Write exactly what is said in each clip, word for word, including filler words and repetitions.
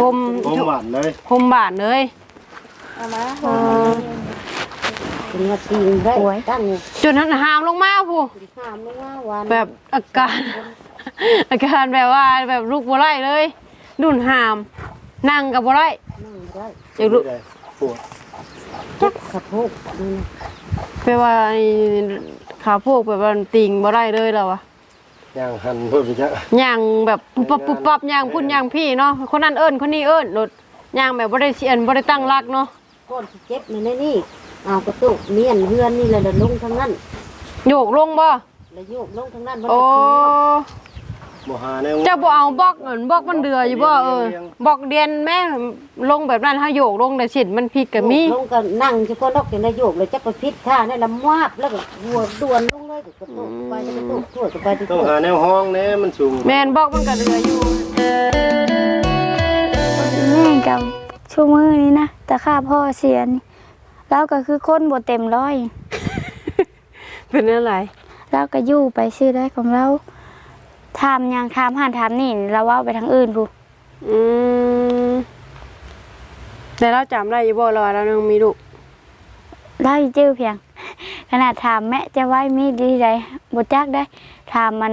มโฮมหวานเลยโฮมบานเลยเอามาเป็นว่าตีนได้ตั้งจนหามลงมาผู้หามลงมาวันแบบอาการอาการแบบว่าแบบลูกบัวไล่เลยดุนหามนั่งกับบัวไล่อยากรู้ปวดจักขับพกแปลว่าขาพวกแบบว่าติงบัวไล่เลยแล้วอะย่างหันเพิ่มไปจ้ะย่างแบบปุ๊บปุ๊บปั๊บย่างพุ่นย่างพี่เนาะคนนั้นเอิญคนนี้เอิญรถย่างแบบบ่ได้เสียนบ่ได้ตั้งรักเนาะก้นเจ็บในนี่เอากระตุกเมียนเฮือนนี่เลยลงทั้งนั้นโยกลงบ่แล้วโยกลงทั้งนั้นโอ้บ่หาแนวจะบ่เอาบล็อกเหมือนบล็อกมันเดืออยู่บ่เออบล็อกเดียนแม่ลงแบบนั้นถ้าโยกลงแต่สิมันผิดก็มีลงก็นั่งเฉพาะนกอย่างได้โยกเลยจักไปพิษท่านี่ละมวาบแล้วก็หัวด่วนลงเลยกระตุกไปกระตุกทั่วไปต้องหาแนวห้องแน่มันสูงแม่นบล็อกมันก็เดืออยู่แม่กับชั่วมือนี้นะแต่ข้าพ่อเสียนี่แล้วก็คือคนบ่เต็มร้อยเป็นอะไรแล้วก็อยู่ไปชื่อได้ของเราถามยังถามหันถามนี่เราว่าไปทางอื่นพูอืมแต่เราจำได้อยู่บ่เราเรายังมีลูกได้จื้อเพียงขนาดถามแม่จะไว้มีดีใดบ่จักได้ถามมัน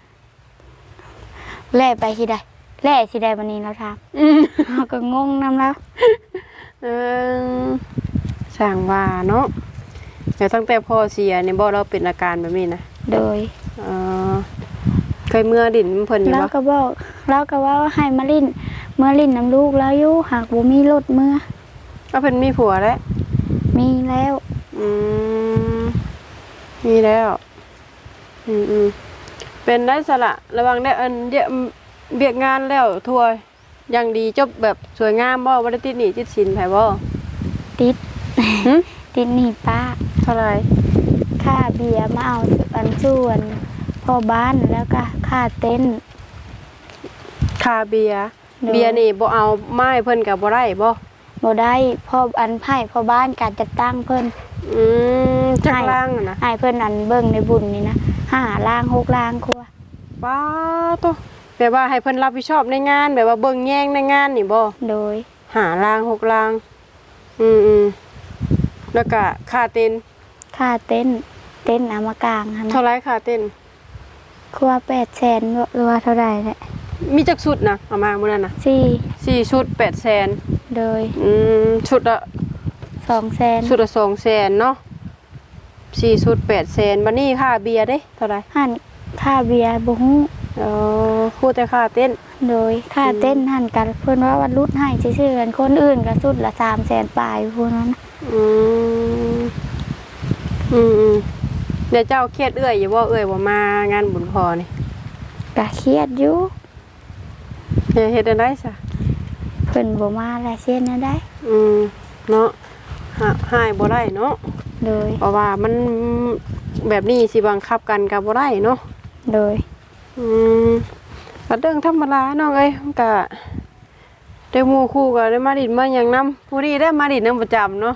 แล่ไปที่ใดแล่ที่ใดวันนี้เราถามเราก็งงนำแล้วเออสั่งว่าเนาะแต่ตั้งแต่พ่อเสียเนี่ยบ่เราเป็นอาการแบบนี้นะโดยเออเคยเมื่อดินเพิ่นอยู่บ่แล้วก็บอกแล้วก็ว่าให้มาลิ้นเมื่อลิ้นน้ำลูกแล้วอยู่หากบ่มีรถเมื่อก็เพิ่นมีผัวแล้วมีแล้วอืมมีแล้วอืมอืมเป็นได้สละระวังได้อันเดียเบียกงานแล้วทัวร์ยังดีจบแบบสวยงามบ่บ่ได้ติดหนี้ติดสินไผบ่ติดติดหนี้ป้าเท่าไหร่ค่าเบียร์มาเอาอันส่วนพ่อบ้านแล้วก็ค่าเต็นท์ค่าเบียร์เบียร์นี่บ่เอาไม้เพิ่นก็บ่ได้บ่บ่ได้พ่ออันไผ่พ่อบ้านการจัดตั้งเพิ่นอืมจักล่างนะให้เพิ่นอันเบิ่งในบุญนี่นะห้าล่างหกล่างครัวป้าโตแบบว่าให้เพิ่นรับผิดชอบในงานแบบว่าเบิ่งแย่งในงานนี่บ่โดยห้าล่างหกล่างอืมๆแล้วก็ค่าเต็นค่าเต็นท์เต็นท์เอามากลางหั่นเท่าไหร่ค่าเต็นท์ครัวแปดแสนหรือว่าเท่าใดแหละมีจักชุดนะเอามามื้อนั้นน่ะสี่สี่ชุดแปดแสนโดยอืมชุดละสองแสนชุดละสองแสนเนาะสี่ชุดแปดแสนบัดนี้ค่าเบียร์เด้เท่าไหร่หั่นค่าเบียร์บ่ฮู้เออพูดแต่ค่าเต้นโดยค่าเต้นหั่นกันเพิ่นว่าวันรุดให้ซื่อๆกันคนอื่นก็ชุดละสามแสนปลายพวกนั้นอืมอืมเดี๋ยวเจ้าเครียดเอื้อยอยู่บ่เอื้อยบ่มางานบุญพอนี่ก็เครียดอยู่อย่าเฮ็ดได้ซะเพิ่นบ่มาหลายเส้นได้อืมเนาะหายบ่ได้เนาะโดยเพราะว่ามันแบบนี้สิบังคับกันก็บ่ได้เนาะโดยอืมก็เรื่องธรรมดาน้องเอ้ยมันก็ได้หมู่คู่ก็ได้มาดินมาหยังนำผู้นี้ได้มาดินนำประจำเนาะ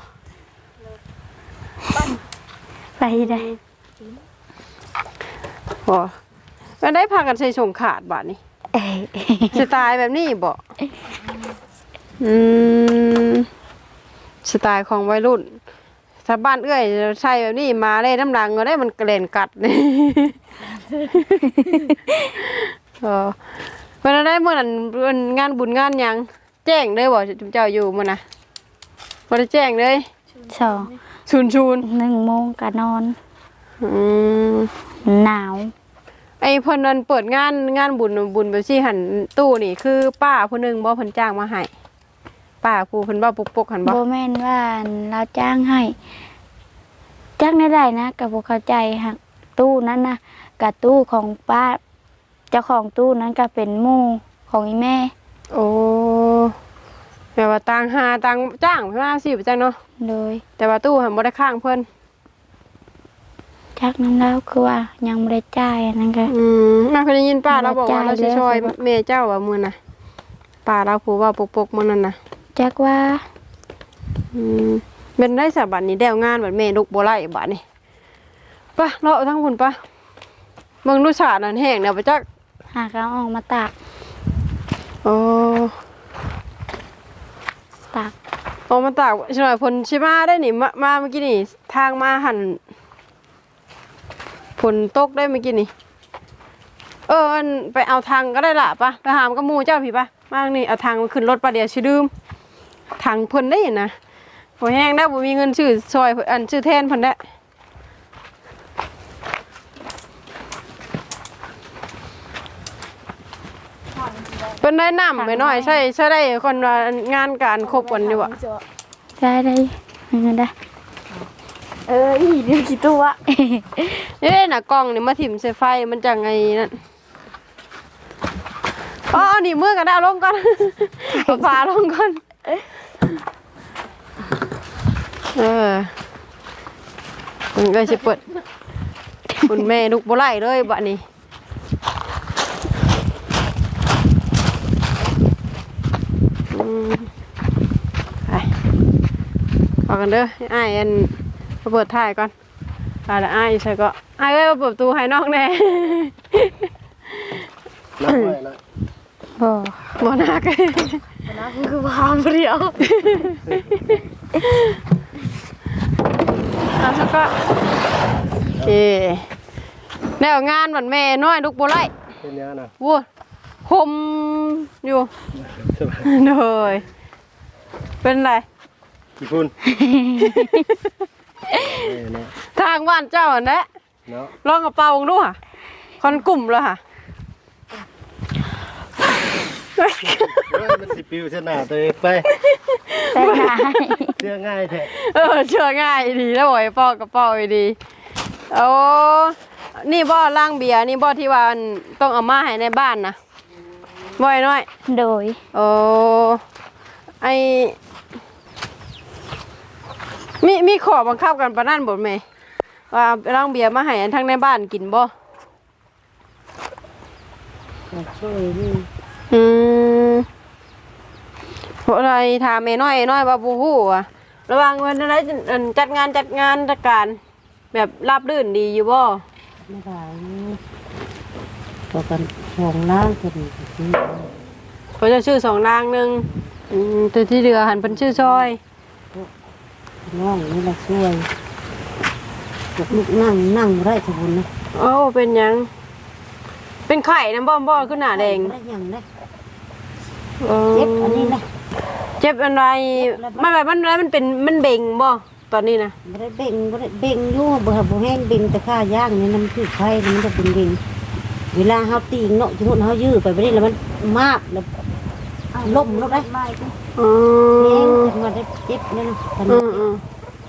ไปได้บ่ก็ได้พากันใส่ส่งขาดบาดนี้สไตล์แบบนี้บ่อืมสไตล์ของวัยรุ่นถ้าบ้านเอื้อยใช่แบบนี้มาเลยน้ำดังก็ได้มันกระเด็นกัดนี่เออเวลาได้เมื่อนั้นงานบุญงานยังแจ้งเลยบ่จุ๊เจ้าอยู่มื้อน่ะบ่ได้แจ้งเลยสองชุนชุนหนึ่งโมงก็นอนอืมหนาวไอ้เพิ่นนั้นเปิดงานงานบุญบุญแบบซี่หันตู้นี่คือป้าผู้นึงบ่เพิ่นจ้างมาให้ป้าผู้เพิ่นบ่ปกๆหันบ่บ่แม่นว่าเราจ้างให้จ้างได้นะก็บ่เข้าใจฮักตู้นั้นนะกับตู้ของป้าเจ้าของตู้นั้นก็เป็นหมู่ของอีแม่โอ้แปลว่าต่างหาต่างจ้างเพิ่นมาสิบ่จังเนาะโดยแต่ว่าตู้หันบ่ได้ค้างเพิ่นจักน้ำแล้วคือว่ายังบ่ได้จ่ายนั่นก็อืมน่าเคยได้ยินป้าเราบอกว่าเราสิช่วยแม่เจ้าว่ามื้อน่ะป้าเราผู้ว่าปกๆมื้อนั้นน่ะจักว่าอืมเป็นได้สะบัดนี้แดวงานบัดแม่ลูกบ่ไล่บัดนี้ป่ะเลาะทั้งพุ่นป่ะเบิ่งดูสาดนั่นแห้งแล้วบ่จักหากเอาออกมาตากโอ้ออกมาตากใช่ไหมผลชิมาได้นี่มามาเมื่อกี้นี่ทางมาหันผลตกได้เมื่อกี้นี่เอออันไปเอาทางก็ได้ละปะไปหามกับหมูเจ้าผีปะมาทางนี่เอาทางขึ้นรถปะเดี๋ยวชื่อดืมทางเพิ่นได้นะพอแห้งได้บ่มีเงินชื่อซอยอันชื่อแทนเพิ่นได้เป็นได้น้ำไปหน่อยใช่ใช่ได้คนว่างานการครบกันอยู่อะได้ได้เงินได้เอออีเรื่องกี่ตัวเอ้น่ะกล้องนี่มาถิ่มใส่ไฟมันจังไงนั่นอ๋อนี่มือกันได้เอาลงก่อน เอาฝาลงก่อนเออมันก็จะเปิดคุณแม่ลูกบ่ไล่เลยบะนี้อืมไปเอากันเด้ออ้ายอันมาเปิดถ่ายก่อนถ่ายแล้วอ้ายใช่ก็อ้ายเอ้ยมาเปิดประตูให้น้องแน่นักไว้นะบ่บ่นักนะคือความเดียวเอาสักก็โอเคแนวงานวันแม่น้อยลูกบ่ไล่เป็นยังนะวัวคมอยู่สบายเลยเป็นไรกี่พุ่นเออเนี่ยทางบ้านเจ้าอันนี้เนาะลองกระเป๋าดูค่ะคอนกลุ่มเลยค่ะเฮ้ยมันสิปิวเสยหนาตัวเองไปแต่ง่ายเชื่อง่ายแท้เออเชื่อง่ายดีแล้วบ่อยปอกกระเป๋าดีโอ้นี่บ่อล่างเบียร์นี่บ่อที่ว่าอันต้องเอามาให้ในบ้านนะบ่อยน้อยโดยโอ้ไอมีมีขอบังคับกันปะนั่นบ่แม่ว่าล่างเบียร์มาให้อันทั้งในบ้านกินบ่ช่วยนี่อืมเพราะอะไรถามแม่น้อยน้อยว่าบูฮู้อะระหวังวันอะไรอันจัดงานจัดงานจัดการ แบบราบรื่นดีอยู่บ่ไม่ได้ต่อกันห่วงล่างกันที่เขาจะชื่อสองนางหนึ่งอืมแต่ที่เหลือหันเป็นชื่อซอยน้องนี่แหละช่วยลูกนั่งนั่งได้สมบูรณ์นะโอ้เป็นหยัง เป็นไข่น้ำบ้อมบ่ขึ้นหน้าแดงได้ยังนะออเจ็บอันนี้นะเจ็บอะไรไม่แบบมันอะไรมันเป็นมันเบ่งบ่ตอนนี้นะไม่ได้เบ่งไม่ได้เบ่งอยู่บ่บ่แห้งเบ่งแต่ข้าย่างนี่น้ำคือไฟมันจะเป็นเบ่งเวลาเฮาตีงเนาะสมมุติเฮายื้อไปบ่ได้แล้วมันมากแล้วล้มแล้วได้อืแห้งมขึ้นมาได้เจ็บนี่นะตอนอืนี้มอืม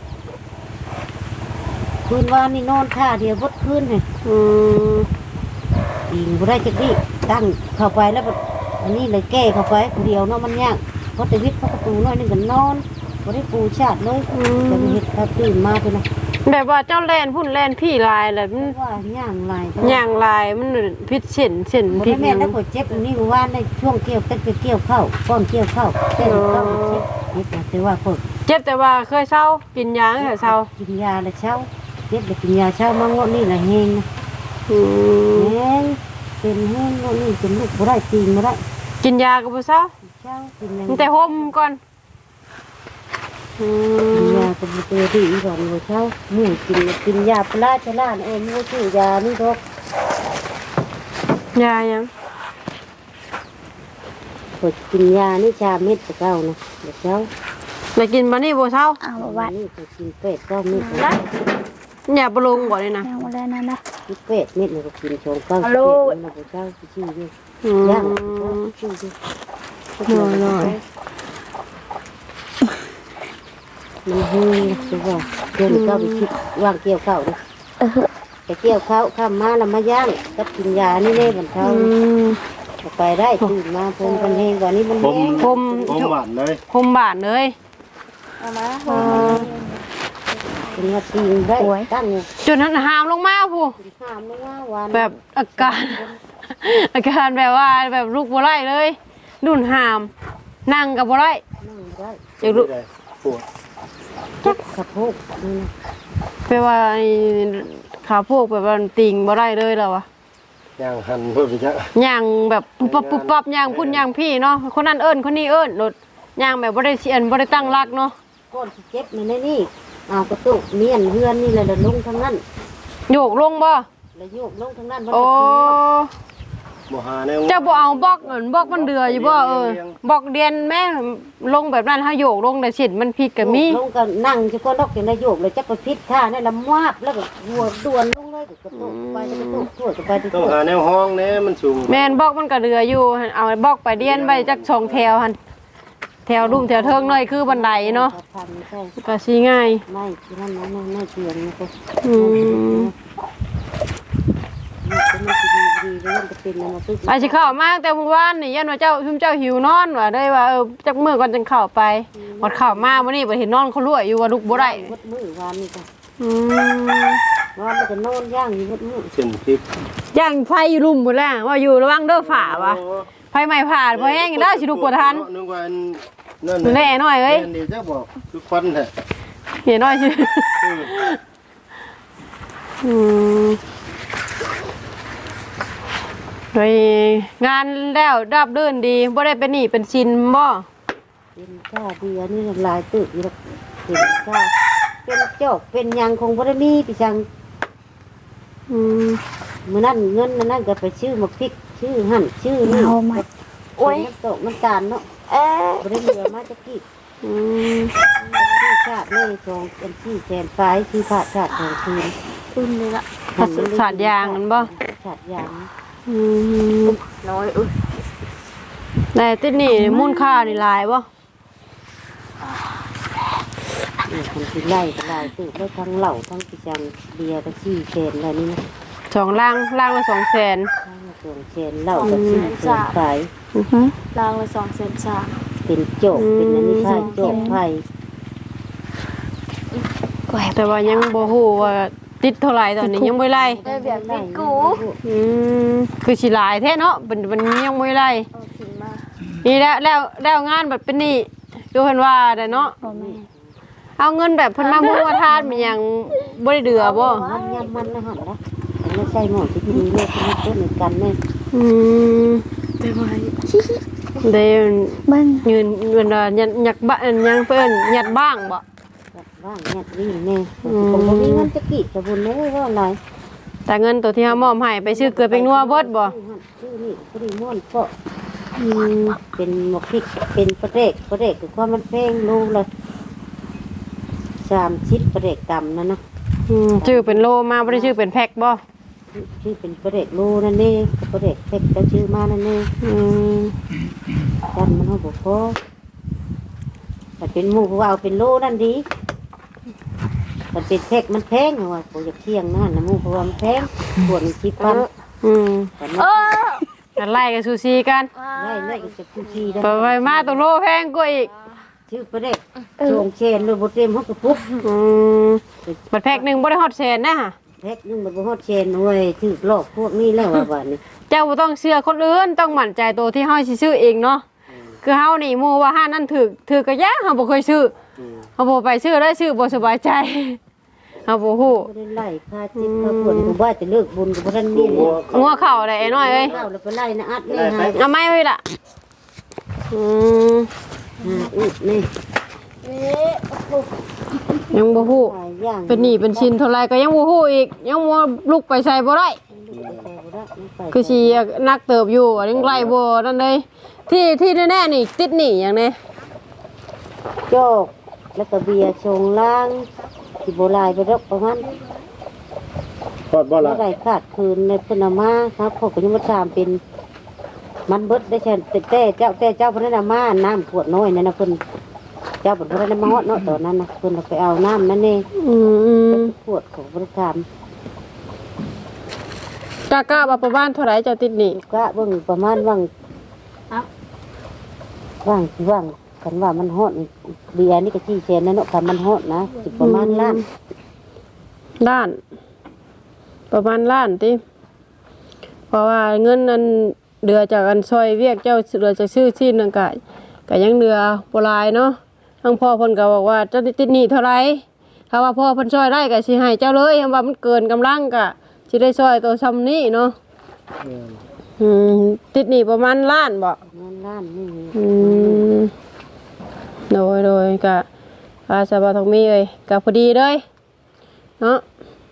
คืนวานนี่นอนท่าเดียวบดคืนเลยอืมตีงบ่ได้จักดิตั้งเข้าไปแล้วบัดอันนี้เลยแก้เข้าไปคนเดียวเนาะมันยากเพราะแต่วิทย์เพราะประตูน้อยนึงก็นอนบ่ได้ปูชาติเลยแต่เฮ็ดถ้าตื่นมาไปนะแบบว่าเจ้าแลนพุ่นแลนพี่ลายแหละมันว่าย่างลายอย่างลายมันพิษเส้นเส้นบ่พิได้ษแม่นแล้วก็เจ็บอันนี้เมื่อวานในช่วงเกี่ยวเต้นไปเกี่ยวเข้าก้อนเกี่ยวเข้าเต้นเข้าเจ็บนิดนะแต่ว่าเพิ่นเจ็บแต่ว่าเคยเศร้ากินยาตั้งแต่เศร้ากินยาแล้วเช้าเจ็บแล้วกินยาเช้ามางวดนี่ละแฮงนะอืมแฮงเป็นแฮงงวดนี้เป็นลูกบ่ได้ตีนบ่ได้กินยาก็บ่เศร้าเช้ากินหยังมันแต่ห่มก่อนอืกินมยาเป็นตัวดีอีกก่อนมื้อเช้าหมู่กินกินยาปลาชะล่าเอ้หมู่ชื่อยานี่ดอกยายังกดกินยานี่ชาเม็ดตะเก้านะเดี๋ยวเช้าแล้วกินมานี่บ่เศร้าเอามาวัดนี่ก็กินเป็ดเก้าเม็ดนะอย่าบ่ลงบ่เลยนะยังบ่ได้นั่นนะกินเป็ดเม็ดนี่ก็กินชงเก้าฮัลโหลเป็ดนะเช้าชื่ออยู่อืมย่างชื่ออยู่หน่อยมันเฮ้ยคือว่าเดินเข้าไปคิดว่างเกี่ยวข้าวนะแต่เกี่ยวข้าวข้ามมาแล้วมาย่างกับกินยานี่เลยมันๆเช้าอืมไปได้ตื่นมาพงกันเองกว่านี้มันผมแห้งผมผมหวานเลยห่มบาดเลยเอามาเออเป็นว่าตีนได้ตั้งจนนั้นหามลงมาผู้ข้ามลงมาวันแบบอาการ อาการแบบว่าแบบลูกบ่ไล่เลยดุนหาม นั่งกับบ่ไล่นั่งได้อยากรู้ไม่ได้ปวดจักสะโพกนี่นะแปลว่าไอ้ขาพวกแบบว่าติงบ่ได้เลยแล้วอะย่างหันเพิ่มไปจ้ะย่างแบบปุ๊บปั๊บปุ๊บปั๊บย่างพุ่นย่างพี่เนาะคนนั้นเอิ้นคนนี้เอิ้นรถย่างแบบบ่ได้เสียนบ่ได้ตั้งรักเนาะก้อนสิเจ็บนี่ในนี่เอากระตุกเมียนเฮือนนี่แหละแล้วลงทางนั้นโยกลงบ่แล้วโยกลงทางนั้นโอ้บ่หาแนวเจ้าบ่เอาบล็อกเหมือนบล็อกมันเดืออยู่บ่เออบล็อกเดียนแม่ลงแบบนั้นเฮาโยกลงได้สิมันผิดก็มีลงก็นั่งจะก็นกอย่างนายโยกเลยจักไปพิษท่านี่ละมวาบแล้วก็หัวด่วนลงเลยกระตุกไปกระตุกทั่วก็ไปที่ต้องทั่วหาแนวห้องแน่มันสูงแม่นบล็อกมันก็เดืออยู่เอาบล็อกไปเดียนไปจักสองแถวหั่นแถวลุ่มแถวเทิงหน่อยคือบันไดเนาะพันไม่ใช่ก็สิง่ายไม่ที่นั่นนะไม่ไม่เตียงนะก็อืมมันจะดีดีแล้วมันจะเป็นอะไรตึ๊กไปสิเข้ามาแต่เมื่อวานนี่ยันว่าเจ้าชุมเจ้าหิวนอนว่าได้ว่าเออจักมื้อก่อนจังเข้าไปหมดเข้ามามื้อนี้บ่เห็นนอนเขาลวยอยู่ว่าลุกบ่ได้วัดมือวานนี่ก็อืมวานมันจะนอนย่างอยู่วัดมือเส้นพริกย่างไฟอยู่ลุ่มหมดแล้วว่าอยู่ระวังเด้อฝ่าวะไฟไหม้ผ่านพอแห้งได้สิลูกบ่ทันนึกว่านั่นแน่หน่อยเอ้ยเดี๋ยวจะบอกคือควันแท้เห็นหน่อยสิอืมโดยงานแล้วราบรื่นดีบ่ได้เป็นหนี้เป็นชินบ่เป็นข้าดีอันนี้ลายตึกอยู่แล้วเป็นข้าเป็นจอกเป็นยังคงบ่ได้มีพี่จังอืมมื้อนั้นเงินนั่นก็ไปชื่อมาพริกชื่อหั่นชื่อนี่เอามาโอ้ยน้ำตกน้ำตาลเนาะเอ๊ะบ่ได้เหลือมาจะกี่อืมชื่อชาติเลยสองเป็นชื่อแทนฟ้ายชื่อพระชาติของคืนอุ่นเลยละสาดยางนั่นบ่ชาติยางอืมน้อยอุ้ยได้ติดหนี้มูลค่านี่หลายบ่นี่คนที่ไล่ก็ไล่ตึกได้ทั้งเหล่าทั้งพี่จังเบียร์ก็ชื่อแทนอะไรนี่นะสองล่างล่างละสองแสนทั้งส่วนแทนเหล่าก็ชื่อแทนฟ้ายอือฮึรางละสองเซนสามเป็นโจกเป็นอันนี้ผ้าโจกไผ่แต่ว่ายังบ่ฮู้ว่าติดเท่าไหร่ตอนนี้ยังบ่ไล่ได้แบบติดกูอืมคือสิหลายแท้เนาะเป็นเป็นยังบ่ไล่เอาขึ้นมานี่แล้วแล้วแล้วงานแบบเป็นหนี่ดูเพิ่นว่าได้เนาะบ่แม่เอาเงินแบบเพิ่นมามุ่งว่าทานมันยังบ่ได้เดือบ่มันยำมันนะหันนะไม่ใช่หมอที่ดีเลยที่ต้นเหมือนกันเนี่ยอืมได้ไหมได้มันยืนเงินว่ายัดยักบ้านยังเพิ่นยัดบ้างบ่ว่างเนี่ยวิ่งเนี่ยผมก็มีเงินจะกีดจะบุญเลยว่าอะไรแต่เงินตัวที่เฮามอบให้ไปซื้อเกลือเป็นนัวเบิดบ่ชื่อนี่ปริมอนก็อืมเป็นหมกพริกเป็นประเดกประเดกคือความมันแพงลูกเลยสามชิดประเดกต่ำนั่นนะอืมชื่อเป็นโลมาบ่ได้ชื่อเป็นแพ็คบ่ชื่อเป็นประเดกลูนั่นนี่ประเดกเพ็กก็ชื่อมานั่นนี่อืมจำมันเขาบอกพอแต่เป็นหมูเพราะว่าเอาเป็นโลนั่นดีแต่เป็นเพ็กมันแพงเหรอวะผมอยากเที่ยงนั่นนะหมูเพราะว่ามันแพงปวดมันชิบพันอืมแต่เอไม่อกันไล่กับซูซีกันได้เลยจะพูดทีได้ไปไปมาตัวโลแพงกว่าอีกชื่อประเด็กชงเชนเลยบเต็มเขากระปุกอืมบัดแพ็คหนึงบ่ได้ฮอดแสนนะฮะแพ็กนึงมันบ่ฮอดเชนเว้ยถือหลอกพวกนี้แล้วว่าบ้านนี้เจ้าบ่ต้องเชื่อคนอื่นต้องมั่นใจตัวที่เฮาสิซื้อเองเนาะคือเฮานี่หมู่ว่าห้านนั้นถูกถูกก็ยะเฮาบ่เคยซื้อเฮาบ่ไปซื้อได้ซื้อบ่สบายใจเฮาบ่ฮู้บ่ได้ไล่ค่าจิตค่าปวดผมว่าจะเลิกบุญกับบ่ทันนี่เลยงัวเข้าได้ไอ้น้อยเอ้ยเข้าแล้วไปไล่นะอัดนี่ฮะเอาไม้ไว้ล่ะอืมฮะอึดนี่ยังบ่ฮู้หลายอย่างเป็นหนี้เป็นชินเท่าไหร่ก็ยังบ่ฮู้อีกยังบ่ลุกไปใส่บ่ได้คือสินักเติบอยู่อะยังไล่บ่นั่นเลยที่ที่แน่ๆนี่ติดหนี้หยังแน่โจกแล้วก็เบียร์ชงล้างสิบ่ลายไปดอกประมาณทอดบ่บ่ล่ะได้ขาดคืนในเพิ่นเอามาครับเขาก็ยังมาถามเป็นมันเบิดได้แค่แต่แต่เจ้าแต่เจ้าเพิ่นเอามาน้ำขวดน้อยนั่นน่ะเพิ่นเจ้าเพิ่นบ่ได้มาฮอดเนาะตอนนั้นน่ะเพิ่นเอาไปเอาน้ำนั่นเองอืมขวดของบริการกะกะว่าประมาณเท่าไหร่เจ้าติดหนี้ก็เบิ่งประมาณว่างว่างว่างกันว่ามันฮอดเบียร์นี่ก็ชี้แชนนั่นเนาะคันมันฮอดนะสิประมาณล้านล้าน ประมาณล้านติเพราะว่าเงินนั้นเดือจากกันซอยเวียกเจ้าเดือจะซื้อที่นั่นก็ก็ยังเดือบ่หลายเนาะทั้งพ่อเพิ่นก็บอกว่าเจ้าติดหนี้เท่าไหร่ถ้าว่าพ่อเพิ่นช่วยได้ก็สิให้เจ้าเลยถ้าว่ามันเกินกำลังก็สิได้ช่วยตัวซ้ำนี้เนาะอืมติดหนี้ประมาณล้านบ่ประมาณล้านนี่อืมก็อาสาบาทองมีเลยก็พอดีเลยเนาะ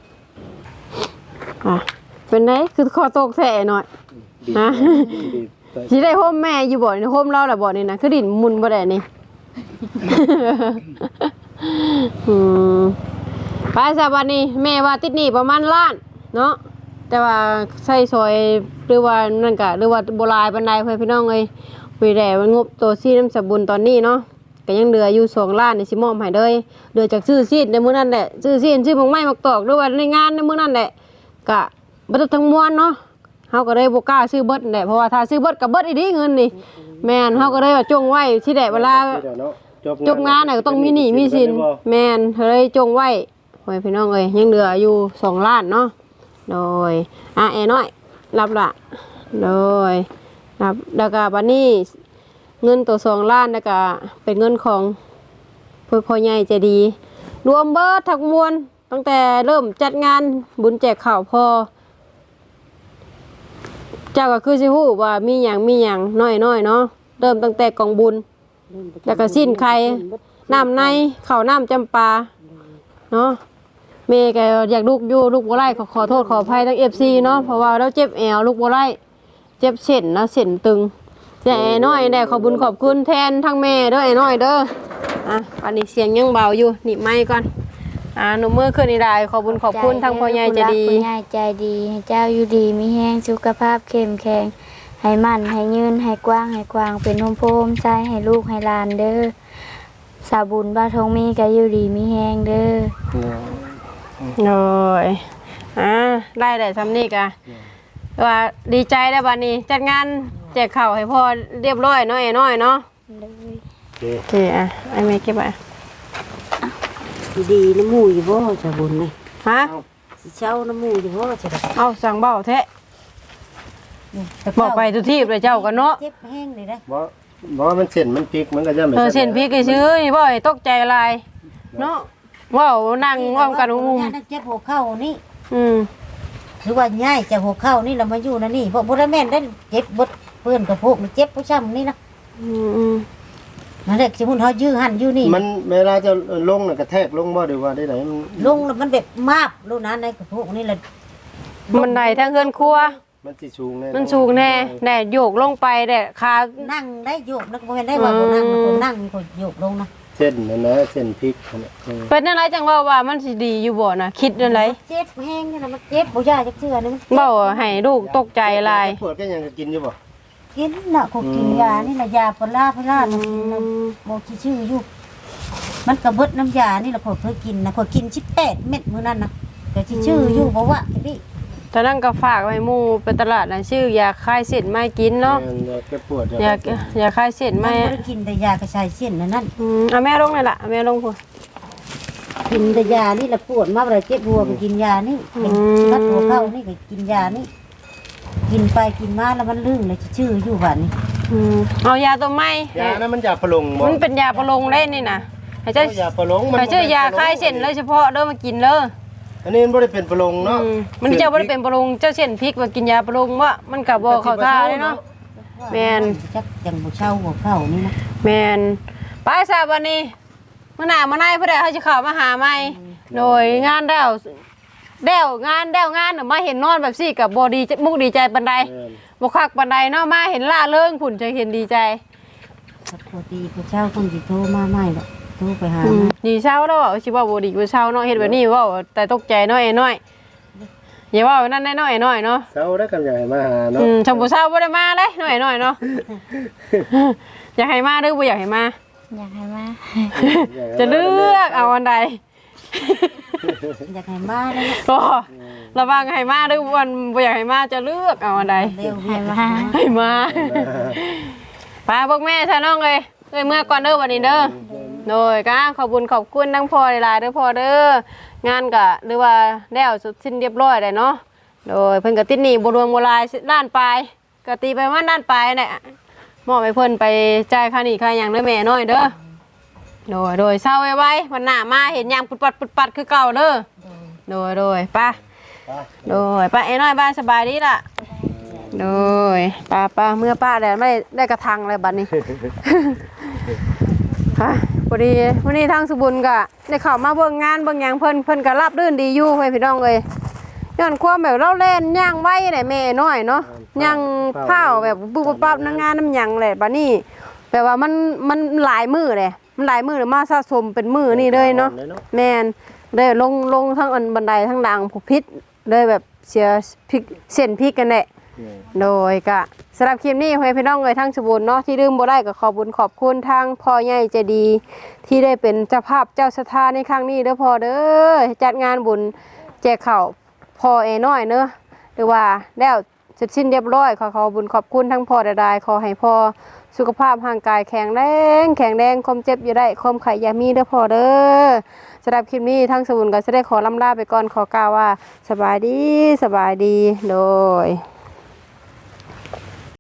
อ่ะเป็นไงคือคอตกแท้หน่อยฮะสิได้โฮมแม่อยู่บ่นี่โฮมเราล่ะบ่นี่นะคือดินมุนบ่ได้นี่ อืมไปซะบัดนี้แม่ว่าติดหนี้ประมาณล้านเนาะแต่ว่าใช้ซอยหรือว่านั่นก็หรือว่าบ่หลายปานใดเพิ่นพี่น้องเอ้ยวีแดมันงบตัวซีน้ำสบุญตอนนี้เนาะก็ยังเหลืออยู่สองล้านนี่สิมอบให้เลยเหลือจากซื้อซีดในมื้อนั้นแหละซื้อซีดซื้อหมกไม้หมกตอกหรือว่าในงานในมื้อนั้นแหละก็บ่ต้องทั้งมวลเนาะเฮาก็เลยบ่กล้าซื้อเบิดแหละเพราะว่าถ้าซื้อเบิดก็เบิดอีดีเงินนี่แม่นเฮาก็เลยว่าจงไว้ที่แดเวลาจบงานน่ะก็ต้องมีหนี้มีสินแม่นเลยจงไว้โอ้ยพี่น้องเอ้ยยังเหลืออยู่สองล้านเนาะโดยอ่ะแอน้อยรับละโดยรับแล้วก็บัดนี้เงินตัวสองล้านแล้วก็เป็นเงินของพ่อพ่อใหญ่ใจดีรวมเบิดทั้งมวลตั้งแต่เริ่มจัดงานบุญแจกข้าวพอเจ้าก็คือสิฮู้ว่ามีหยังมีหยังน้อยๆเนาะเริ่มตั้งแต่กองบุญแล้วก็สิ้นไข่น้ำในข้าวน้ำจำปาเนาะเมย์ก็อยากลูกอยู่ลูกบัวไล่ขอขอโทษขออภัยทั้งเอฟซีเนาะเพราะว่าเราเจ็บแอวลูกบัวไล่เจ็บเส้นนะเส้นตึงแต่ไอ้น้อยได้ขอบุญขอบคุณแทนทั้งแม่เด้อไอ้น้อยเด้ออ่ะอันนี้เสียงยังเบาอยู่หนีบไม้ก่อนอ่าหนูมือขึ้นนี่ได้ขอบุญขอบคุณทั้งพ่อใหญ่ใจดีผู้ใหญ่ใจดีให้เจ้าอยู่ดีมีแห้งสุขภาพเข้มแข็งให้มั่นให้ยืนให้กว้างให้กว้างเป็นโฮมโพมใจให้ลูกให้หลานเด้อสาบุญบ้าทองมีก็อยู่ดีมีแห้งเด้อโอ้ยอ่าได้ได้ทำนี่กะว่าดีใจได้บัดนี้จัดงานแจกข้าวให้พ่อเรียบร้อยเนาะไอ้น้อยเนาะโอเคอ่ะไอ้แม่เก็บไว้ดีน้ำมูอยู่บ่จะบุญเลยฮะสิเช่าน้ำมูอยู่บ่จะได้เอาสั่งเบาแท้บอกไปทุกที่เลยเจ้ากันเนาะเจ็บแห้งเลยได้บ่บ่มันเส้นมันพลิกมันก็จะไม่เออเส้นพริกไอ้ซื้อนี่บ่ให้ตกใจอะไรเนาะว้าวนั่งว่ามกันงุมเจ็บหัวเข่านี่อืมหรือว่าง่ายจะหัวเข่านี่เรามาอยู่นะนี่เพราะบ่ได้แม่นได้เจ็บบดเปื้อนกับพวกมันเจ็บผู้ช้ำนี่นะอืมอืมนั่นแหละสมมุติเฮายื้อหั่นอยู่นี่มันเวลาจะลงน่ะกระแทกลงบ่หรือว่าได้ไหนมันลงแล้วมันแบบมาบลูกนั้นในกับพวกนี่แหละมันไหนทางเฮือนครัวมันสิสูงแน่มันสูงแน่แน่โยกลงไปแน่ขานั่งได้โยกนักบ่แม่นได้ว่าบ่นั่งคนนั่งมีคนโยกลงนะเส้นนั่นนะเส้นพลิกนั่นน่ะเออเป็นอะไรจังว่าว่ามันสิดีอยู่บ่น่ะคิดอะไรเจ็บแห้งนี่นะมันเจ็บบ่ยาจักเทื่อนี่มันเบ้าให้ลูกตกใจอะไรปวดก็ยังจะกินอยู่บ่กินน่ะเขากินยานี่น่ะยาปลาพลาน่ะกินน่ะบ่ชื่ออยู่มันก็เบิดน้ำยานี่ล่ะเขาเคยกินนะเขากินสิบแปดเม็ดมื้อนั้นน่ะก็สิชื่ออยู่บ่ว่าพี่ตอนนั้นก็ฝากไว้หมู่ไปตลาดน่ะชื่อยาคลายเส้นไม่กินเนาะแม่นแกปวดยา ยาคลายเส้นมัไม่นบ่ได้กินแต่ยากระชายเส้นนั่นนั่นอืมเอาแม่ลงเลยล่ะเอาแม่ลงพุ่นกินแต่ยานี่ละปวดมาบ่ได้เจ็บหัวก็กินยานี่เป็นชัดหัวเข้านี่ก็กินยานี่กินไปกินมาแล้วมันลื่นเลยชื่ออยู่บัดนี้อืมเอายาตัวใหม่ยานั้นมันยาพะลงบ่มันเป็นยาประลงได้นี่น่ะให้เจ้าเอายาพะลงให้เจ้ายาคลายเส้นเลยเฉพาะเด้อมากินเด้ออันนี้มันบ่ได้เป็นพะลงเนาะอืมมันเจ้าบ่ได้เป็นประลงเจ้าเส้นพริกว่ากินยาประลงว่ามันก็บ่เข้าท่าเลยเนาะ แม่นจักจังบ่เช่าหัวเข้านี่นะแม่นไปซะบัดนี้มื้อหน้ามื้อในเพิ่นได้เฮาสิเข้ามาหาใหม่โดยงานแล้วแล้วงานแล้วงานน่ะมาเห็นนอนแบบซี่ก็บ่ดีมุกดีใจปานใดแม่นบ่คักปานใดเนาะมาเห็นล่าเริงผุ่นจะเห็นดีใจปกติผู้เช่าคงสิโทรมาใหม่ดอกโทรไปหาอืมมาดีเช้าแล้วว่าสิว่าบ่ดีกว่าเช้าเนาะเฮ็ดแบบนี้เว้าแต่ตกใจเนาะไอ้น้อยอย่าเว้านั่นน้อยๆน้อยเนาะเช้าได้กำลังมาหาเนาะอืมชมบ่เช้าบ่ได้มาเลยน้อยๆเนาะ อยากให้มาหรือบ่อยากให้มาอยากให้มาจะเลือกเอาอันใดอยากให้มาเลยนะก็ระวังให้มาหรือบ่บ่อยากให้มาจะเลือกเอาอันใดเร็วให้มาให้มาป้าพวกแม่ซะน้องเอ้ยเอ้ยเมื่อก่อนเด้อวันนี้เด้อโดยก็ขอบคุณขอบคุณทั้งพ่อหลายๆเด้อพ่อเด้องานก็หรือว่าแล้วสุดสิ้นเรียบร้อยได้เนาะโดยเพิ่นก็ติดหนี้บ่รวมบ่หลายล้านปลายก็ตีไปว่าล้านปลายเนี่ยมอบให้เพิ่นไปจ่ายค่าหนี้ค่าหยังเด้อแม่น้อยเด้อโดยโดยเศร้าไว้ๆวันหน้ามาเห็นยามปุดปัดปุดปัดคือเก่าเด้อโดยโดยป้าโดยป้าไอ้น้อยบ้านสบายดีล่ะโดยป้าป้าเมื่อป้าแดดไม่ได้ได้กระทังเลยบัดนี้ ฮะพอดีวันนี้ทางสุบุญก็ได้เข้ามาเบิ่งงานเบิ่งหยังเพิ่นเพิ่นก็รับรื่นดีอยู่เพิ่นพี่น้องเอ้ยย้อนความแบบเราเล่นย่างไว้ได้แม่น้อยเนาะย่างเผาแบบปุ๊บปั๊บน้ำงานน้ำหยังแหละบัดนี้แปลว่ามันมันหลายมื้อเลยมันหลายมื้อเลยมาสะสมเป็นมื้อนี่เลยเนาะแม่นเลยลงลงทั้งอันบันไดทั้งดังผูกพิษเลยแบบเสียพริกเส้นพริกกันแหละโดยก็สำหรับคลิปนี้ให้พี่น้องเลยทั้งสบุญเนาะที่ลืมบ่ได้ก็ขอบุญขอบคุณทางพ่อใหญ่ใจดีที่ได้เป็นเจ้าภาพเจ้าสถานในครั้งนี้เด้อพ่อเด้อจัดงานบุญแจกข้าวพ่อเอน้อยเนอะหรือว่าแล้วเสร็จสิ้นเรียบร้อยขอขอบุญขอบคุณทั้งพ่อใดๆขอให้พ่อสุขภาพร่างกายแข็งแรงแข็งแรงความเจ็บอย่าได้ความไข้อย่ามีเด้อพ่อเด้อสำหรับคลิปนี้ทั้งสบุญก็จะได้ขอลำลาไปก่อนขอกล่าวว่าสบายดีสบายดีโดย